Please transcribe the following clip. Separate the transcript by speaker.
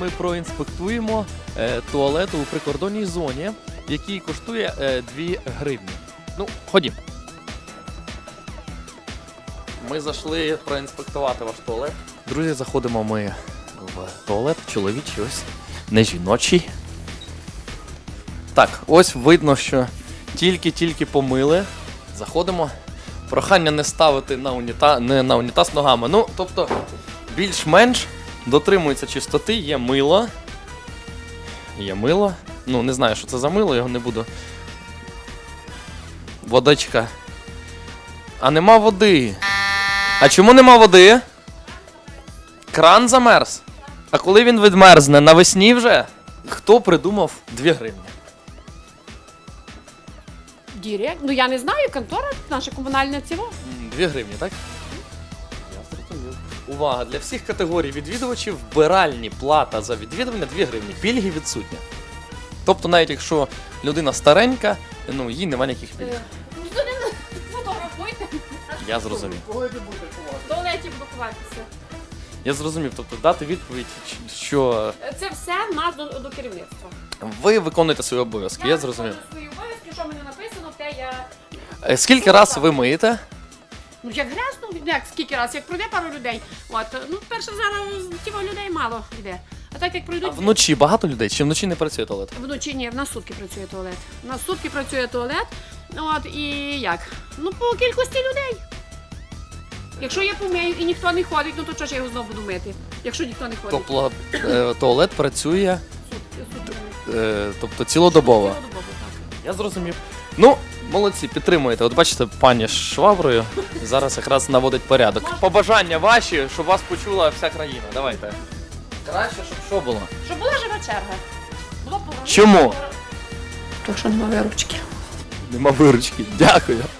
Speaker 1: ми проінспектуємо туалет у прикордонній зоні, який коштує 2 гривні. Ну, ходім. Ми зайшли проінспектувати ваш туалет. Друзі, заходимо ми в туалет, чоловічий ось, не жіночий. Так, ось видно, що тільки помили. Заходимо. Прохання не ставити на унітаз ногами. Ну, тобто, більш-менш дотримується чистоти, є мило. Є мило. Ну, не знаю, що це за мило, його не буду. Водичка. А нема води. А чому нема води? Кран замерз. А коли він відмерзне? Навесні вже? Хто придумав 2 гривні?
Speaker 2: Директ? Ну я не знаю, контора наша комунальна ціла.
Speaker 1: 2 гривні, так? Я зрозумів. Увага! Для всіх категорій відвідувачів вбиральні плата за відвідування 2 гривні. Пільги відсутні. Тобто навіть якщо людина старенька, ну їй немає ніяких пільг.
Speaker 2: Фотографуйте.
Speaker 1: Я зрозумів.
Speaker 2: В туалеті буду ховатися.
Speaker 1: Я зрозумів, тобто дати відповідь, що
Speaker 2: Це все в нас до керівництва.
Speaker 1: ви виконуєте свої обов'язки, я зрозумів.
Speaker 2: виконую свої обов'язки, що мені написано, те я...
Speaker 1: Скільки раз ви миєте?
Speaker 2: Ну як грязно, як скільки раз, як пройде пару людей. От, ну перше зараз тіво людей мало йде. А так як
Speaker 1: А
Speaker 2: пройдуть...
Speaker 1: вночі багато людей? Чи вночі не працює туалет?
Speaker 2: Вночі ні, на сутки працює туалет. На сутки працює туалет. От і як? Ну по кількості людей. Якщо я помию і ніхто не ходить, ну то чого ж я його знову буду мити? Якщо ніхто не ходить.
Speaker 1: Тобто туалет працює
Speaker 2: Сутки.
Speaker 1: тобто цілодобово.
Speaker 2: Цілодобово, так.
Speaker 1: Я зрозумів. Ну, молодці, підтримуєте. От бачите, пані з шваброю зараз якраз наводить порядок. Побажання ваші, щоб вас почула вся країна. Давайте. Краще, щоб що було?
Speaker 2: Щоб була жива черга. Було б...
Speaker 1: Чому?
Speaker 2: Тому що немає виручки.
Speaker 1: Нема виручки. Дякую.